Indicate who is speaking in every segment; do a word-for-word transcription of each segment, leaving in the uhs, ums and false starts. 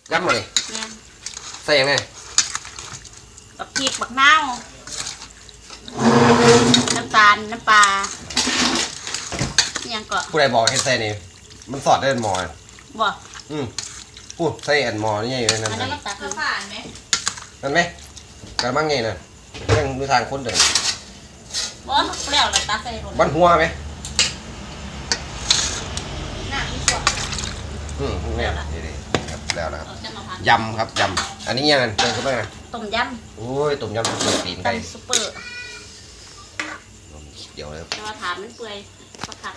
Speaker 1: ยำมาเลยใส่ยังไง
Speaker 2: บักพริกบักนาวน้ำตาลน้ำปลายังก็
Speaker 1: ผู้ใดบอกให้ใส่นี่มันสอดได้หมอ
Speaker 2: บ่
Speaker 1: อืมพูดใส่อันหมอนี่ไงอยู่ในนั้น
Speaker 2: อันนั้นมันตักผ่านไหม
Speaker 1: นั่นไหมกระมังไงน่ะยังดูทางคนเดิน
Speaker 2: บ่เปรี้ยวแล้วตักใส่รถ
Speaker 1: บ้านหัวไหม
Speaker 2: น้ำมีส่วน
Speaker 1: อืมเนี่ยดีๆครับแล้วนะครับยำครับยำอันนี้ยังไงเติมเข้าไปไง
Speaker 2: ต้มยำ
Speaker 1: โอ้ยต้มยำซุปตีนไก่
Speaker 2: ซุปเปอร์
Speaker 1: เดี๋ยวเลย
Speaker 2: จะมาถามมันเปื่อยสักพัก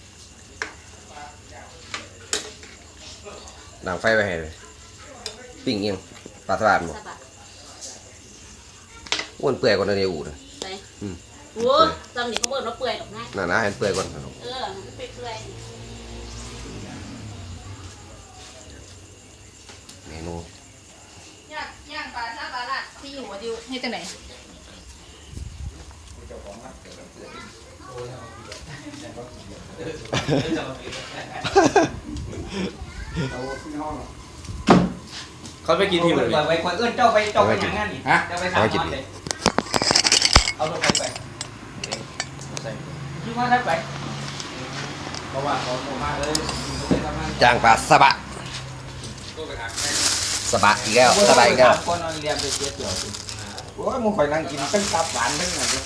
Speaker 1: ดังไฟไปให้เลยปิ้งยังปลาสลัดหมดอ้วนเปื่อยกว่าในอู่นะ
Speaker 2: ใช่โอ้จำดิเขาเปิดว่าเปื่อยหรอกนะ
Speaker 1: น่านะให้เปื่อยก่อน
Speaker 2: เออมันเปื่อย
Speaker 1: เมนู
Speaker 2: ย่างย่างปลาซาปลาลัดที่อยู่ดิวให้จังไหน
Speaker 3: เขาไปกินที่ไหน
Speaker 4: ไปไปเอื้อนเจ้าไปเจ้าไปอย่างนั้นนี่ฮะเจ้าไปสามวันเลยเอาตัวไปไปคิดว่าได้ไปเพราะว่าเขาโตมากเลย
Speaker 1: จางปลาสบะสบะอีกแล้วสบะอีกแล้ว
Speaker 4: คนนอนเรียนไปเสียเกี่ยวโอ้ยมึงคอยนั่งกินตั้งตับหวานตั้งอะไร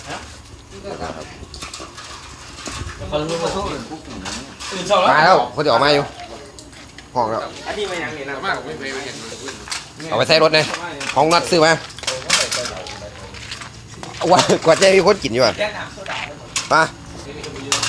Speaker 3: เขารู้ว่าเขาอื่นปุ๊บ
Speaker 1: มาแล้วเขาจะออกมาอยู่ห้องแล้ว
Speaker 4: อันนี้ไม่ยังนี่นะ
Speaker 3: มากไม่เคยเห็น
Speaker 1: เอาไปใส่รถเลยห้องนัดซื้อมาว่ากว่าจะมีคนกินอยู่อ่ะมา